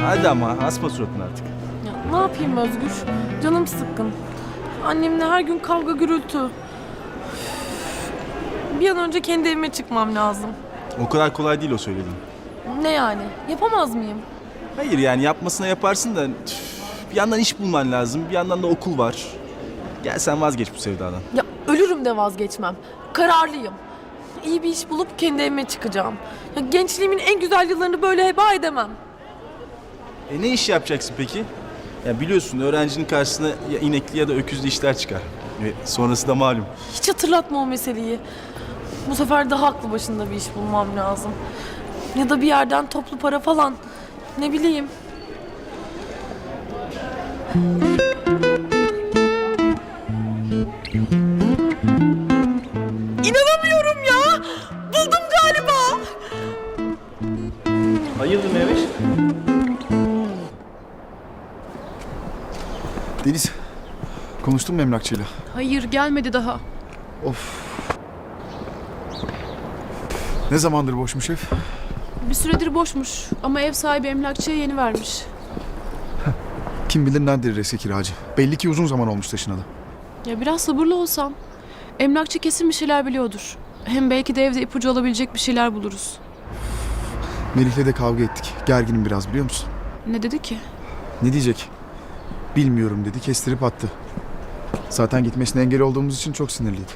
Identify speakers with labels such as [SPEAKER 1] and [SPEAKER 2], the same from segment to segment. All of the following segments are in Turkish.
[SPEAKER 1] Hadi ama asma suratını artık.
[SPEAKER 2] Ya ne yapayım Özgür? Canım sıkkın. Annemle her gün kavga gürültü. Bir an önce kendi evime çıkmam lazım.
[SPEAKER 1] O kadar kolay değil o söylediğin.
[SPEAKER 2] Ne yani? Yapamaz mıyım?
[SPEAKER 1] Hayır yani yapmasına yaparsın da bir yandan iş bulman lazım, bir yandan da okul var. Gel sen vazgeç bu sevdadan.
[SPEAKER 2] Ya ölürüm de vazgeçmem. Kararlıyım. İyi bir iş bulup kendi evime çıkacağım. Ya gençliğimin en güzel yıllarını böyle heba edemem.
[SPEAKER 1] Ne iş yapacaksın peki? Ya biliyorsun öğrencinin karşısına ya inekli ya da öküzlü işler çıkar. Ve sonrası da malum.
[SPEAKER 2] Hiç hatırlatma o meseleyi. Bu sefer daha aklı başında bir iş bulmam lazım. Ya da bir yerden toplu para falan. Ne bileyim. İnanamıyorum ya. Buldum galiba.
[SPEAKER 1] Hayırdır Mehmet?
[SPEAKER 3] Deniz, konuştun mu emlakçıyla?
[SPEAKER 4] Hayır, gelmedi daha.
[SPEAKER 3] Of. Ne zamandır boşmuş ev?
[SPEAKER 4] Bir süredir boşmuş ama ev sahibi emlakçıya yeni vermiş.
[SPEAKER 3] Kim bilir nerededir eski kiracı. Belli ki uzun zaman olmuş taşınalı.
[SPEAKER 4] Ya biraz sabırlı olsam. Emlakçı kesin bir şeyler biliyordur. Hem belki de evde ipucu olabilecek bir şeyler buluruz.
[SPEAKER 3] Melih'le de kavga ettik. Gerginim biraz, biliyor musun?
[SPEAKER 4] Ne dedi ki?
[SPEAKER 3] Ne diyecek? Bilmiyorum dedi, kestirip attı. Zaten gitmesine engel olduğumuz için çok sinirliydi.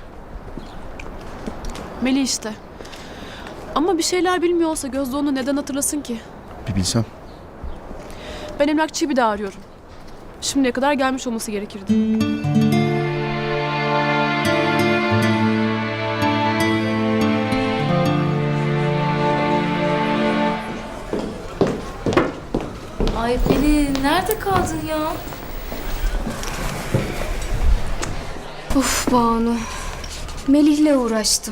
[SPEAKER 4] Melih işte. Ama bir şeyler bilmiyor olsa Gözde onu neden hatırlasın ki?
[SPEAKER 3] Bir bilsem.
[SPEAKER 4] Ben emlakçıyı bir daha arıyorum. Şimdiye kadar gelmiş olması gerekirdi.
[SPEAKER 5] Ay Pelin, nerede kaldın ya?
[SPEAKER 6] Of Banu. Melih'le uğraştım.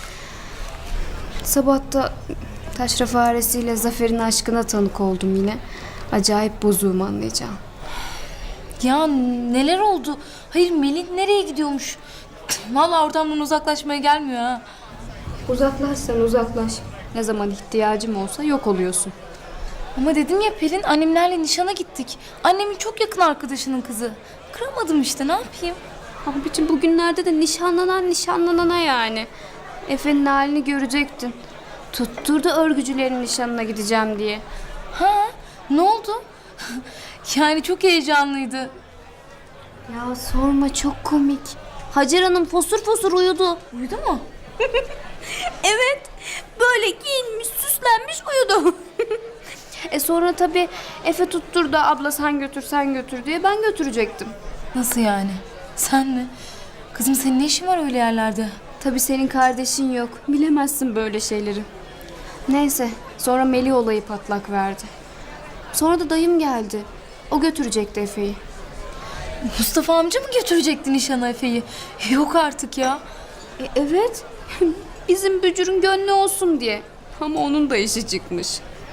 [SPEAKER 6] Sabah da taşra faresiyle Zafer'in aşkına tanık oldum yine. Acayip bozuğum, anlayacağım.
[SPEAKER 5] Ya neler oldu? Hayır Melih nereye gidiyormuş? Vallahi oradan uzaklaşmaya gelmiyor ha.
[SPEAKER 6] Uzaklaşsan uzaklaş. Ne zaman ihtiyacım olsa yok oluyorsun.
[SPEAKER 5] Ama dedim ya Pelin, annemlerle nişana gittik. Annemin çok yakın arkadaşının kızı. Kıramadım işte, ne yapayım?
[SPEAKER 6] Abicim bugünlerde de nişanlanan nişanlanana yani. Efe'nin halini görecektin. Tutturdu örgücülerin nişanına gideceğim diye.
[SPEAKER 5] Ha? Ne oldu? Yani çok heyecanlıydı.
[SPEAKER 6] Ya sorma, çok komik. Hacer Hanım fosur fosur uyudu.
[SPEAKER 5] Uyudu mu?
[SPEAKER 6] Evet. Böyle giyinmiş, süslenmiş uyudu. Sonra tabii Efe tutturdu, abla sen götür sen götür diye, ben götürecektim.
[SPEAKER 5] Nasıl yani? Sen mi? Kızım senin ne işin var öyle yerlerde?
[SPEAKER 6] Tabii senin kardeşin yok. Bilemezsin böyle şeyleri. Neyse, sonra Melih olayı patlak verdi. Sonra da dayım geldi. O götürecekti Efe'yi.
[SPEAKER 5] Mustafa amca mı götürecekti nişana Efe'yi? Yok artık ya.
[SPEAKER 6] Evet. Bizim bücürün gönlü olsun diye. Ama onun da işi çıkmış.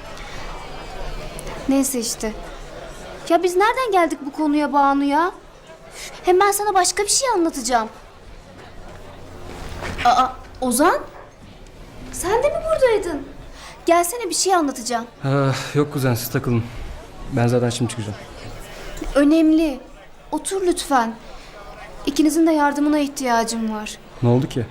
[SPEAKER 6] Neyse işte. Ya biz nereden geldik bu konuya Banu ya? Hem ben sana başka bir şey anlatacağım. Aa, Ozan? Sen de mi buradaydın? Gelsene, bir şey anlatacağım.
[SPEAKER 7] Yok kuzen, siz takılın. Ben zaten şimdi çıkacağım.
[SPEAKER 6] Önemli. Otur lütfen. İkinizin de yardımına ihtiyacım var.
[SPEAKER 7] Ne oldu ki?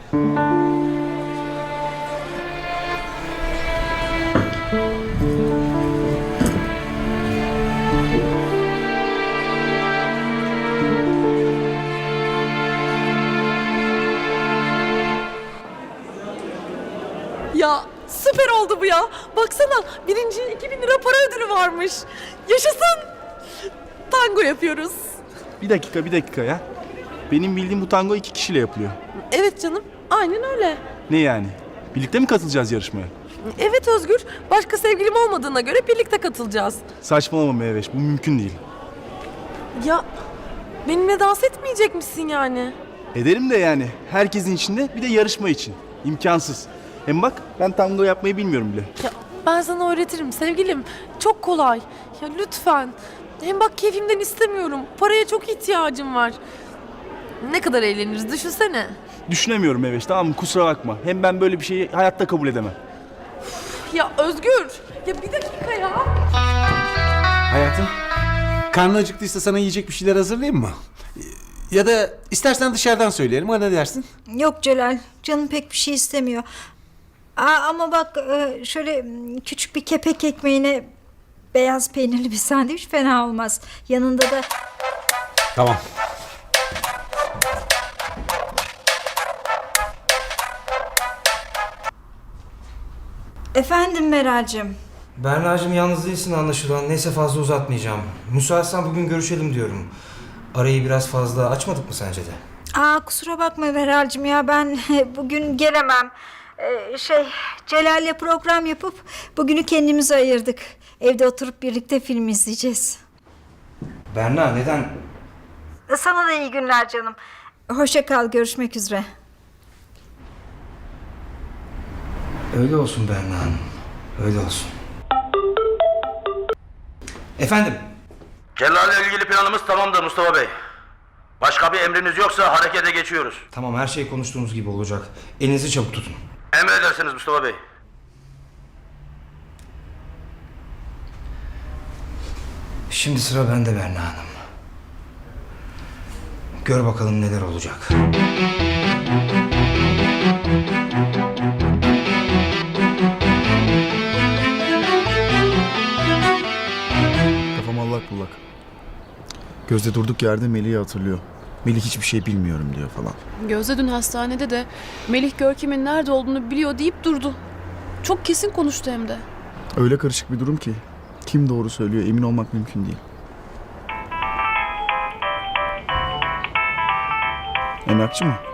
[SPEAKER 2] Ya süper oldu bu ya. Baksana, birinciye 2000 lira para ödülü varmış. Yaşasın. Tango yapıyoruz.
[SPEAKER 1] Bir dakika ya. Benim bildiğim bu tango 2 kişiyle yapılıyor.
[SPEAKER 2] Evet canım, aynen öyle.
[SPEAKER 1] Ne yani? Birlikte mi katılacağız yarışmaya?
[SPEAKER 2] Evet Özgür, başka sevgilim olmadığına göre birlikte katılacağız.
[SPEAKER 1] Saçmalama Mehveş, bu mümkün değil.
[SPEAKER 2] Ya benimle dans etmeyecek misin yani?
[SPEAKER 1] Ederim de yani. Herkesin içinde bir de yarışma için. İmkansız. Hem bak ben tango yapmayı bilmiyorum bile.
[SPEAKER 2] Ya ben sana öğretirim sevgilim. Çok kolay. Ya lütfen. Hem bak keyfimden istemiyorum. Paraya çok ihtiyacım var. Ne kadar eğleniriz düşünsene.
[SPEAKER 1] Düşünemiyorum Mehveş, tamam mı? Kusura bakma. Hem ben böyle bir şeyi hayatta kabul edemem.
[SPEAKER 2] Ya Özgür. Ya bir dakika ya.
[SPEAKER 8] Hayatım, karnın acıktıysa sana yiyecek bir şeyler hazırlayayım mı? Ya da istersen dışarıdan söyleyelim, ha ne dersin?
[SPEAKER 9] Yok Celal, canım pek bir şey istemiyor. Ama bak şöyle küçük bir kepek ekmeğine beyaz peynirli bir sandviç fena olmaz. Yanında da...
[SPEAKER 8] Tamam.
[SPEAKER 9] Efendim Meral'cığım.
[SPEAKER 10] Berna'cığım yalnız değilsin anlaşılan. Neyse fazla uzatmayacağım. Müsaitsen bugün görüşelim diyorum. Arayı biraz fazla açmadık mı sence de?
[SPEAKER 9] Kusura bakma Meral'cığım ya ben bugün gelemem. Celal'le program yapıp bugünü kendimize ayırdık. Evde oturup birlikte film izleyeceğiz.
[SPEAKER 10] Berna neden?
[SPEAKER 9] Sana da iyi günler canım. Hoşça kal, görüşmek üzere.
[SPEAKER 10] Öyle olsun Berna Hanım. Öyle olsun. Efendim?
[SPEAKER 11] Celal'le ilgili planımız tamamdır Mustafa Bey. Başka bir emriniz yoksa harekete geçiyoruz.
[SPEAKER 10] Tamam her şey konuştuğumuz gibi olacak. Elinizi çabuk tutun.
[SPEAKER 11] Emredersiniz Mustafa Bey.
[SPEAKER 10] Şimdi sıra bende Berna Hanım. Gör bakalım neler olacak.
[SPEAKER 3] Kafam allak bullak. Gözde durduk yerde Melih'i hatırlıyor. Melih hiçbir şey bilmiyorum diyor falan.
[SPEAKER 4] Gözde dün hastanede de Melih Görkem'in nerede olduğunu biliyor deyip durdu. Çok kesin konuştu hem de.
[SPEAKER 3] Öyle karışık bir durum ki kim doğru söylüyor emin olmak mümkün değil. Emlakçı mı?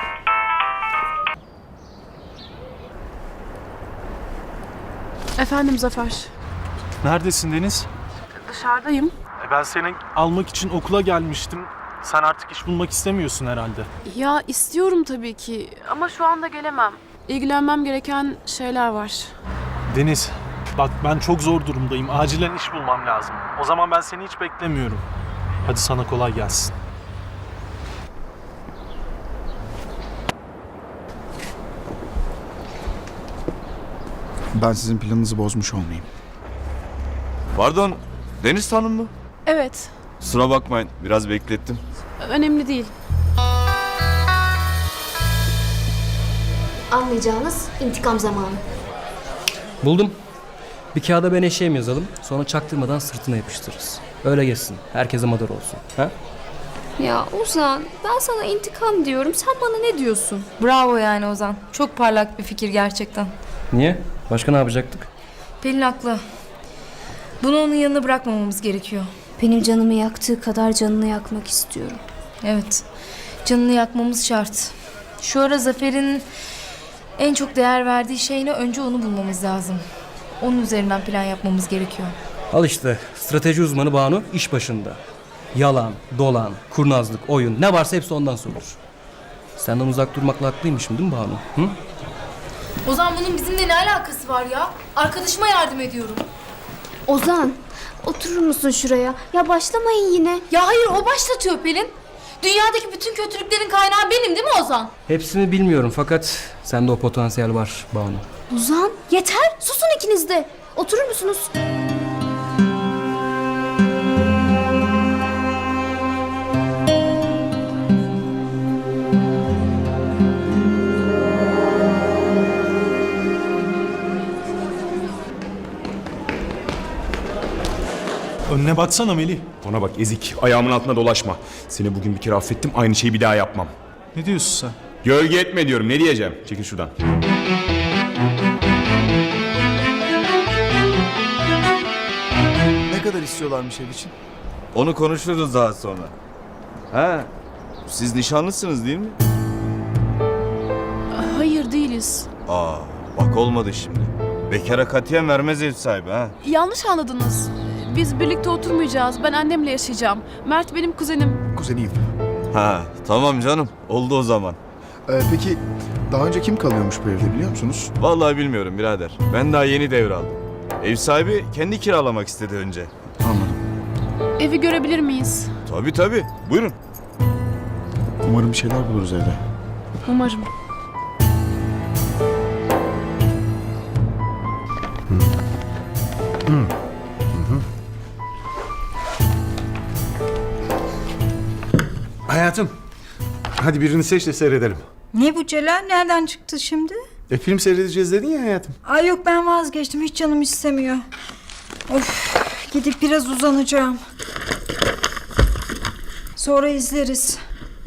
[SPEAKER 4] Efendim Zafer.
[SPEAKER 12] Neredesin Deniz?
[SPEAKER 4] Dışarıdayım.
[SPEAKER 12] Ben seni almak için okula gelmiştim. Sen artık iş bulmak istemiyorsun herhalde.
[SPEAKER 4] Ya istiyorum tabii ki ama şu anda gelemem. İlgilenmem gereken şeyler var.
[SPEAKER 12] Deniz, bak ben çok zor durumdayım. Acilen iş bulmam lazım. O zaman ben seni hiç beklemiyorum. Hadi sana kolay gelsin.
[SPEAKER 3] Ben sizin planınızı bozmuş olmayayım.
[SPEAKER 1] Pardon, Deniz Hanım mı?
[SPEAKER 4] Evet,
[SPEAKER 1] Kusura bakmayın, biraz beklettim.
[SPEAKER 4] önemli değil.
[SPEAKER 6] Anlayacağınız intikam zamanı.
[SPEAKER 7] Buldum. Bir kağıda ben eşeğim yazalım. Sonra çaktırmadan sırtına yapıştırırız. Öyle geçsin. Herkese madar olsun. Ha?
[SPEAKER 6] Ya Ozan, ben sana intikam diyorum. Sen bana ne diyorsun?
[SPEAKER 5] Bravo yani Ozan. Çok parlak bir fikir gerçekten.
[SPEAKER 7] Niye? Başka ne yapacaktık?
[SPEAKER 5] Pelin haklı. Bunu onun yanına bırakmamamız gerekiyor.
[SPEAKER 6] Benim canımı yaktığı kadar canını yakmak istiyorum.
[SPEAKER 5] Evet. Canını yakmamız şart. Şu ara Zafer'in en çok değer verdiği şeyle önce onu bulmamız lazım. Onun üzerinden plan yapmamız gerekiyor.
[SPEAKER 7] Al işte. Strateji uzmanı Banu iş başında. Yalan, dolan, kurnazlık, oyun ne varsa hepsi ondan sorulur. Senden uzak durmakla haklıymışım değil mi Banu? Hı?
[SPEAKER 5] Ozan bunun bizimle ne alakası var ya? Arkadaşıma yardım ediyorum.
[SPEAKER 6] Ozan, oturur musun şuraya? Ya başlamayın yine.
[SPEAKER 5] Ya hayır o başlatıyor Pelin. Dünyadaki bütün kötülüklerin kaynağı benim değil mi Ozan?
[SPEAKER 7] Hepsini bilmiyorum fakat sende o potansiyel var Banu.
[SPEAKER 6] Ozan, yeter. Susun ikiniz de. Oturur musunuz?
[SPEAKER 12] Önüne baksana Melih.
[SPEAKER 13] Ona bak ezik, ayağımın altına dolaşma. Seni bugün bir kere affettim, aynı şeyi bir daha yapmam.
[SPEAKER 12] Ne diyorsun sen?
[SPEAKER 13] Gölge etme diyorum, ne diyeceğim? Çekil şuradan.
[SPEAKER 3] Ne kadar istiyorlarmış ev için?
[SPEAKER 1] Onu konuşuruz daha sonra. Ha, siz nişanlısınız değil mi?
[SPEAKER 4] Hayır değiliz.
[SPEAKER 1] Bak olmadı şimdi. Bekara katiyen vermez ev sahibi ha.
[SPEAKER 4] Yanlış anladınız. Biz birlikte oturmayacağız. Ben annemle yaşayacağım. Mert benim kuzenim.
[SPEAKER 3] Kuzeniyim.
[SPEAKER 1] Ha, tamam canım. Oldu o zaman.
[SPEAKER 3] Peki daha önce kim kalıyormuş bu evde biliyor musunuz?
[SPEAKER 1] Vallahi bilmiyorum birader. Ben daha yeni devraldım. Ev sahibi kendi kiralamak istedi önce.
[SPEAKER 3] Anladım.
[SPEAKER 4] Evi görebilir miyiz?
[SPEAKER 1] Tabii. Buyurun.
[SPEAKER 3] Umarım bir şeyler buluruz evde.
[SPEAKER 4] Umarım.
[SPEAKER 8] Hayatım, hadi birini seç de seyredelim.
[SPEAKER 9] Ne bu Celal? Nereden çıktı şimdi?
[SPEAKER 8] Film seyredeceğiz dedin ya hayatım.
[SPEAKER 9] Ay yok, ben vazgeçtim. Hiç canım istemiyor. Of, gidip biraz uzanacağım. Sonra izleriz.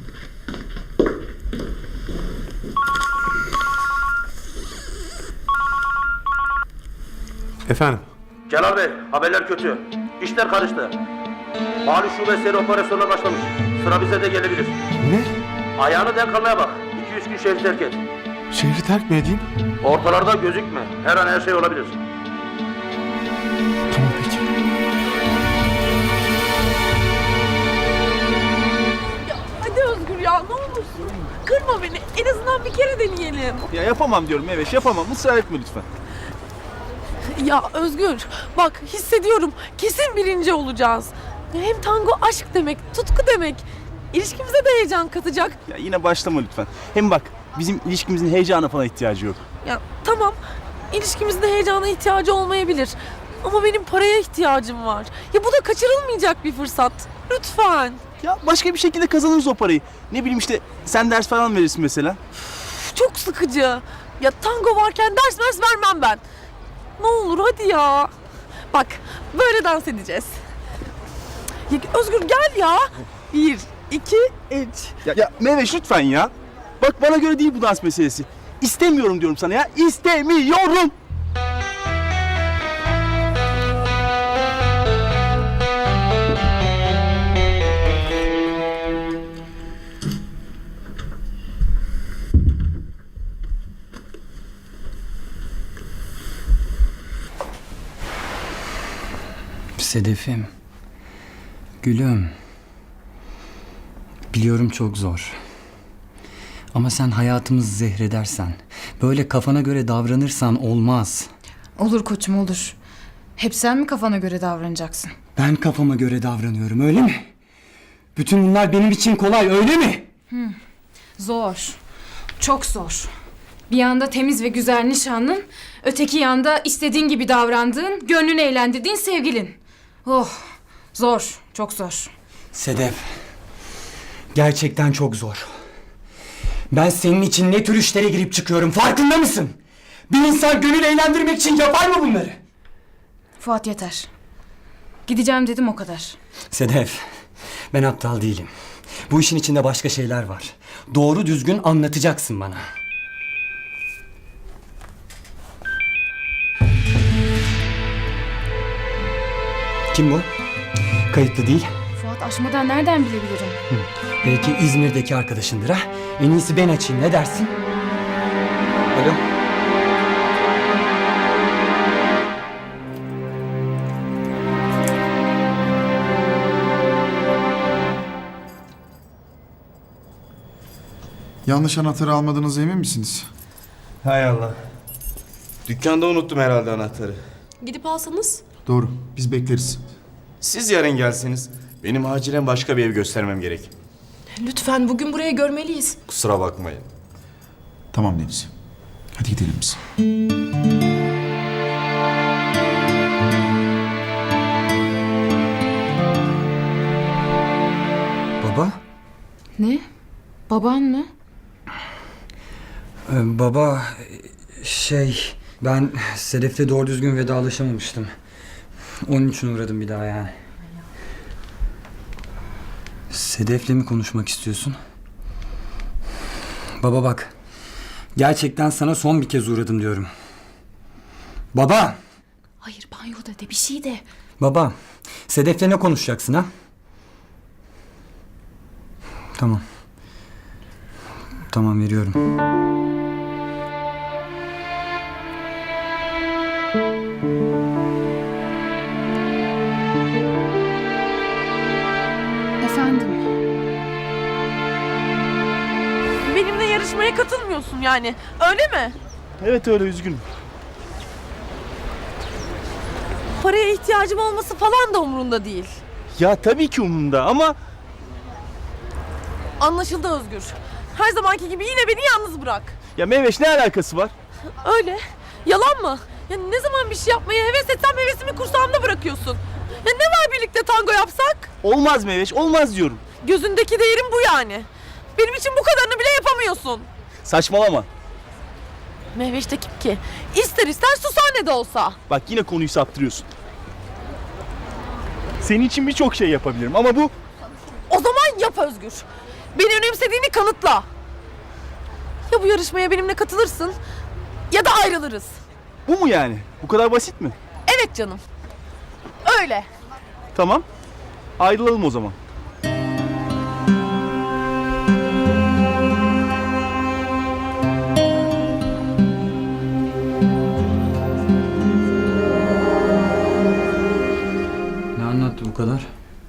[SPEAKER 8] Efendim?
[SPEAKER 11] Celal Bey, haberler kötü. İşler karıştı. Mali şube seri operasyona başlamış. Sıra bize de gelebilir.
[SPEAKER 8] Ne?
[SPEAKER 11] Ayağını denk almaya bak. 200 gün şehri terk et.
[SPEAKER 8] Şehri terk mi edeyim?
[SPEAKER 11] Ortalarda gözükme. Her an her şey olabilir.
[SPEAKER 8] Tamam peki.
[SPEAKER 2] Ya hadi Özgür ya, ne olursun. Kırma beni. En azından bir kere deneyelim.
[SPEAKER 1] Ya yapamam diyorum Meveş, yapamam. Israr etme lütfen.
[SPEAKER 2] Ya Özgür, bak hissediyorum. Kesin birinci olacağız. Hem tango aşk demek, tutku demek. İlişkimize de heyecan katacak.
[SPEAKER 1] Ya yine başlama lütfen. Hem bak, bizim ilişkimizin heyecana falan ihtiyacı yok.
[SPEAKER 2] Ya tamam, ilişkimizin heyecana ihtiyacı olmayabilir. Ama benim paraya ihtiyacım var. Ya bu da kaçırılmayacak bir fırsat. Lütfen.
[SPEAKER 1] Ya başka bir şekilde kazanırız o parayı. Ne bileyim işte, sen ders falan verirsin mesela.
[SPEAKER 2] Çok sıkıcı. Ya tango varken ders vermem ben. Ne olur hadi ya. Bak, böyle dans edeceğiz. Ya, Özgür gel ya. 1, 2, 3.
[SPEAKER 1] Ya Meveş lütfen ya. Bak bana göre değil bu dans meselesi. İstemiyorum diyorum sana ya. İstemiyorum.
[SPEAKER 14] Sedefim, gülüm. Biliyorum çok zor. Ama sen hayatımızı zehredersen, böyle kafana göre davranırsan olmaz.
[SPEAKER 15] Olur koçum olur. Hep sen mi kafana göre davranacaksın?
[SPEAKER 14] Ben kafama göre davranıyorum, öyle mi? Bütün bunlar benim için kolay, öyle mi?
[SPEAKER 15] Zor. Çok zor. Bir yanda temiz ve güzel nişanlın, öteki yanda istediğin gibi davrandığın, gönlünü eğlendirdiğin sevgilin. Oh, zor, çok zor.
[SPEAKER 14] Sedef, gerçekten çok zor. Ben senin için ne tür işlere girip çıkıyorum, farkında mısın? Bir insan gönül eğlendirmek için yapar mı bunları?
[SPEAKER 15] Fuat yeter. Gideceğim dedim, o kadar.
[SPEAKER 14] Sedef, ben aptal değilim. Bu işin içinde başka şeyler var. Doğru düzgün anlatacaksın bana. Kim bu? Kayıtlı değil.
[SPEAKER 15] Fuat açmadan nereden bilebilirim?
[SPEAKER 14] Belki İzmir'deki arkadaşındır ha? En iyisi ben açayım, ne dersin? Alo?
[SPEAKER 3] Yanlış anahtarı almadığınıza emin misiniz?
[SPEAKER 10] Hay Allah. Dükkanda unuttum herhalde anahtarı.
[SPEAKER 4] Gidip alsanız.
[SPEAKER 3] Doğru. Biz bekleriz.
[SPEAKER 13] Siz yarın gelseniz. Benim acilen başka bir ev göstermem gerek.
[SPEAKER 4] Lütfen bugün burayı görmeliyiz.
[SPEAKER 13] Kusura bakmayın.
[SPEAKER 3] Tamam Deniz. Hadi gidelim biz.
[SPEAKER 14] Baba?
[SPEAKER 15] Ne? Baban mı?
[SPEAKER 14] Baba, ben Sedef'le doğru düzgün vedalaşamamıştım. Onun için uğradım bir daha yani. Sedef'le mi konuşmak istiyorsun? Baba bak, gerçekten sana son bir kez uğradım diyorum. Baba!
[SPEAKER 15] Hayır, banyoda de, bir şey de.
[SPEAKER 14] Baba, Sedef'le ne konuşacaksın ha? Tamam. Tamam, veriyorum.
[SPEAKER 15] Efendim?
[SPEAKER 2] Benimle yarışmaya katılmıyorsun yani. Öyle mi?
[SPEAKER 1] Evet öyle, üzgünüm.
[SPEAKER 2] Paraya ihtiyacım olması falan da umurunda değil.
[SPEAKER 1] Ya tabii ki umurumda ama...
[SPEAKER 2] Anlaşıldı Özgür. Her zamanki gibi yine beni yalnız bırak.
[SPEAKER 1] Ya Meveş, ne alakası var?
[SPEAKER 2] Öyle. Yalan mı? Ya ne zaman bir şey yapmaya heves etsem hevesimi kursağımda bırakıyorsun. Ya ne var birlikte tango yapsak?
[SPEAKER 1] Olmaz Meveş, olmaz diyorum.
[SPEAKER 2] Gözündeki değerim bu yani. Benim için bu kadarını bile yapamıyorsun.
[SPEAKER 1] Saçmalama.
[SPEAKER 2] Mehveş de kim ki? İster ister sushanede olsa.
[SPEAKER 1] Bak yine konuyu saptırıyorsun. Senin için birçok şey yapabilirim ama bu...
[SPEAKER 2] O zaman yap Özgür. Beni önemsediğini kanıtla. Ya bu yarışmaya benimle katılırsın ya da ayrılırız.
[SPEAKER 1] Bu mu yani? Bu kadar basit mi?
[SPEAKER 2] Evet canım. Öyle.
[SPEAKER 1] Tamam. Ayrılalım o zaman.
[SPEAKER 14] Ne anlattı bu kadar?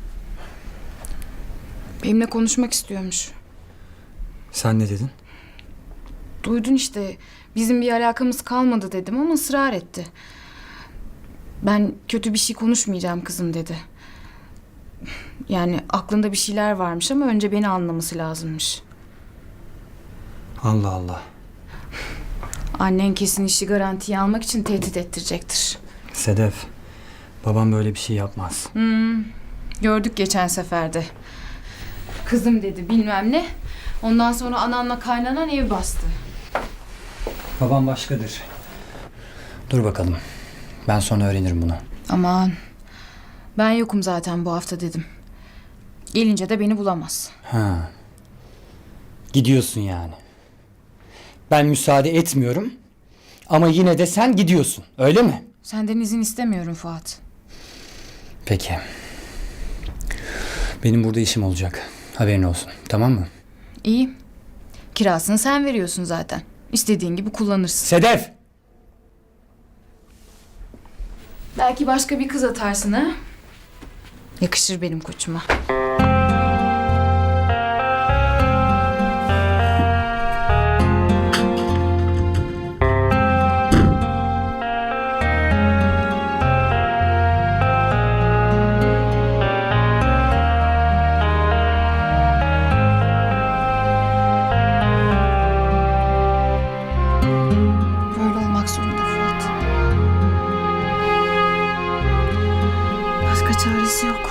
[SPEAKER 15] Benimle konuşmak istiyormuş.
[SPEAKER 14] Sen ne dedin?
[SPEAKER 15] Duydun işte. Bizim bir alakamız kalmadı dedim ama ısrar etti. Ben kötü bir şey konuşmayacağım kızım dedi. Yani aklında bir şeyler varmış ama önce beni anlaması lazımmış.
[SPEAKER 14] Allah Allah.
[SPEAKER 15] Annen kesin işi garantiye almak için tehdit ettirecektir.
[SPEAKER 14] Sedef, babam böyle bir şey yapmaz.
[SPEAKER 15] Gördük geçen seferde. Kızım dedi bilmem ne. Ondan sonra ananla kaynanan ev bastı.
[SPEAKER 14] Babam başkadır. Dur bakalım. Ben sonra öğrenirim bunu.
[SPEAKER 15] Aman. Ben yokum zaten bu hafta dedim. Gelince de beni bulamaz.
[SPEAKER 14] Ha. Gidiyorsun yani. Ben müsaade etmiyorum. Ama yine de sen gidiyorsun. Öyle mi?
[SPEAKER 15] Senden izin istemiyorum Fuat.
[SPEAKER 14] Peki. Benim burada işim olacak. Haberin olsun. Tamam mı?
[SPEAKER 15] İyi. Kirasını sen veriyorsun zaten. İstediğin gibi kullanırsın.
[SPEAKER 14] Sedef!
[SPEAKER 15] Belki başka bir kız atarsın ha? Yakışır benim koçuma. Böyle olmak zorunda Fuat. Başka çaresi yok.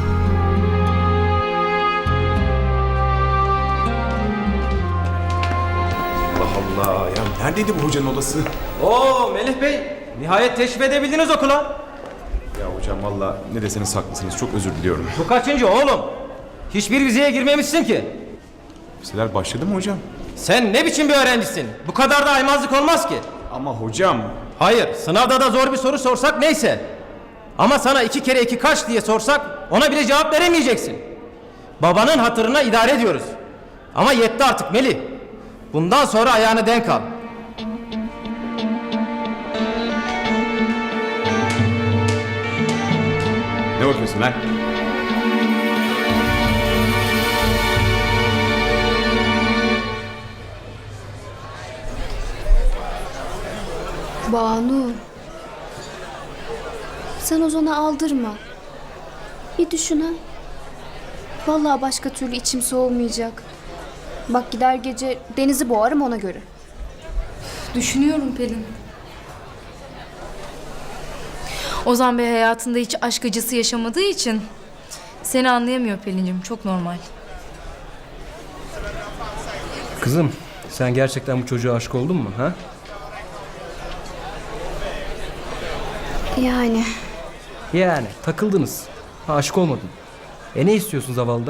[SPEAKER 13] Allah Allah ya neredeydi bu hocanın odası?
[SPEAKER 10] Oo Melih Bey, nihayet teşrif edebildiniz okula.
[SPEAKER 13] Ya hocam valla ne deseniz haklısınız çok özür diliyorum.
[SPEAKER 10] Bu kaçıncı oğlum? Hiçbir vizeye girmemişsin ki.
[SPEAKER 13] Vizeler başladı mı hocam?
[SPEAKER 10] Sen ne biçim bir öğrencisin? Bu kadar da aymazlık olmaz ki.
[SPEAKER 13] Ama hocam...
[SPEAKER 10] Hayır, sınavda da zor bir soru sorsak neyse. Ama sana 2 kere 2 kaç diye sorsak ona bile cevap veremeyeceksin. Babanın hatırına idare ediyoruz. Ama yetti artık Melih. Bundan sonra ayağını denk al.
[SPEAKER 13] Ne bakıyorsun lan?
[SPEAKER 6] Banu. Sen Ozan'a aldırma. Bir düşün ha. Vallahi başka türlü içim soğumayacak. Bak gider gece Deniz'i boğarım ona göre.
[SPEAKER 5] Düşünüyorum Pelin. Ozan Bey hayatında hiç aşk acısı yaşamadığı için seni anlayamıyor Pelin'cim. Çok normal.
[SPEAKER 7] Kızım, sen gerçekten bu çocuğa aşık oldun mu? Ha?
[SPEAKER 6] Yani.
[SPEAKER 7] Yani takıldınız. Ha, aşık olmadın. Ne istiyorsun zavallıdan?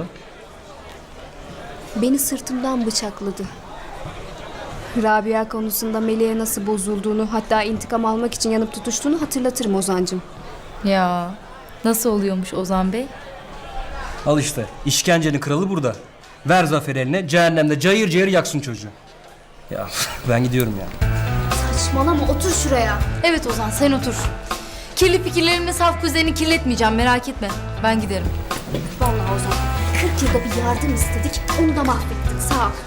[SPEAKER 6] Beni sırtımdan bıçakladı. Rabia konusunda Melih'e nasıl bozulduğunu, hatta intikam almak için yanıp tutuştuğunu hatırlatırım Ozan'cığım.
[SPEAKER 5] Ya nasıl oluyormuş Ozan Bey?
[SPEAKER 7] Al işte, işkencenin kralı burada. Ver Zafer eline, cehennemde cayır cayır yaksın çocuğu. Ya ben gidiyorum ya.
[SPEAKER 6] Saçmalama, otur şuraya.
[SPEAKER 5] Evet Ozan sen otur. Kirli fikirlerimle saf kuzenini kirletmeyeceğim merak etme. Ben giderim.
[SPEAKER 6] Vallahi Ozan, 40 yılda bir yardım istedik, onu da mahvettin, sağ ol.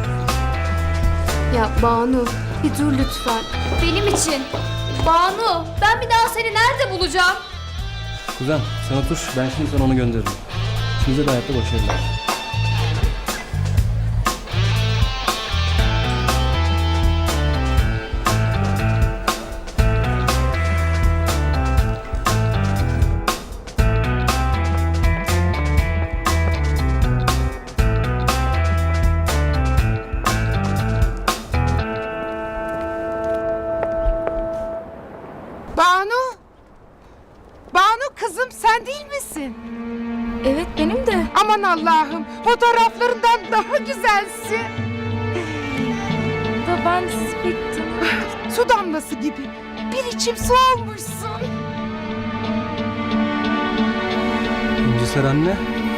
[SPEAKER 6] Ya Banu, bir dur lütfen. Benim için. Banu, ben bir daha seni nerede bulacağım?
[SPEAKER 7] Kuzen sen otur, ben şimdi sana onu gönderirim. İkinize de hayatta başarılar.
[SPEAKER 16] sen değil misin?
[SPEAKER 5] Evet benim de.
[SPEAKER 16] Aman Allah'ım, fotoğraflarından daha güzelsin.
[SPEAKER 5] Da ben sizi pek tanımıyorum.
[SPEAKER 16] Su damlası gibi. Bir içim su olmuşsun.
[SPEAKER 7] İncisar anne.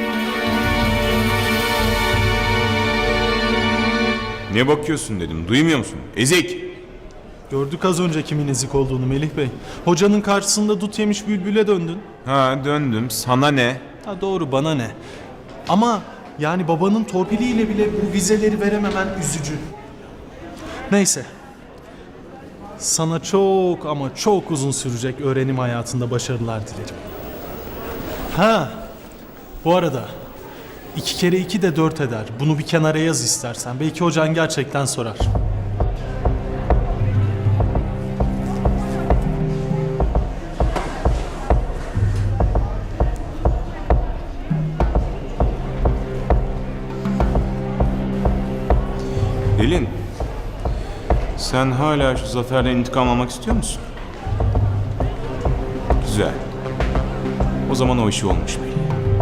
[SPEAKER 13] Ne bakıyorsun dedim. Duymuyor musun? Ezik.
[SPEAKER 12] Gördük az önce kimin ezik olduğunu Melih Bey. Hocanın karşısında dut yemiş bülbüle döndün.
[SPEAKER 13] Ha döndüm. Sana ne?
[SPEAKER 12] Ha doğru, bana ne? Ama yani babanın torpiliyle bile bu vizeleri verememen üzücü. Neyse. Sana çok ama çok uzun sürecek öğrenim hayatında başarılar dilerim. Ha, bu arada 2 kere 2 de 4 eder. Bunu bir kenara yaz istersen. Belki hocan gerçekten sorar.
[SPEAKER 13] Pelin. Sen hala şu Zafer'den intikam almak istiyor musun? Güzel. O zaman o işi olmuş belli.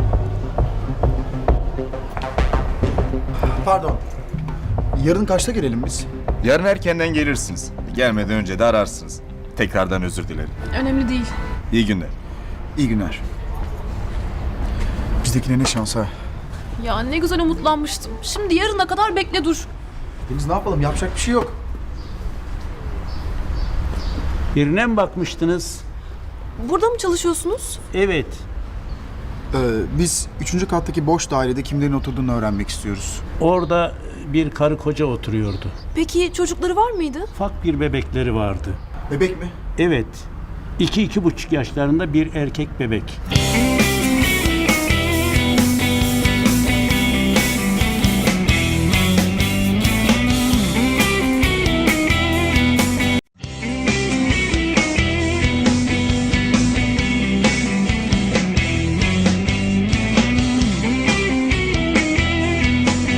[SPEAKER 3] Pardon. Yarın kaçta gelelim biz?
[SPEAKER 17] Yarın erkenden gelirsiniz. Gelmeden önce de ararsınız. Tekrardan özür dilerim.
[SPEAKER 4] Önemli değil.
[SPEAKER 17] İyi günler.
[SPEAKER 3] İyi günler. Bizdekine ne şans ha.
[SPEAKER 4] Ya ne güzel umutlanmıştım. Şimdi yarına kadar bekle dur.
[SPEAKER 3] Deniz ne yapalım? Yapacak bir şey yok.
[SPEAKER 18] Birine mi bakmıştınız?
[SPEAKER 4] Burada mı çalışıyorsunuz?
[SPEAKER 18] Evet.
[SPEAKER 3] Biz 3. kattaki boş dairede kimlerin oturduğunu öğrenmek istiyoruz.
[SPEAKER 18] Orada bir karı koca oturuyordu.
[SPEAKER 4] Peki çocukları var mıydı?
[SPEAKER 18] Ufak bir bebekleri vardı.
[SPEAKER 3] Bebek mi?
[SPEAKER 18] Evet. 2-2,5 yaşlarında bir erkek bebek.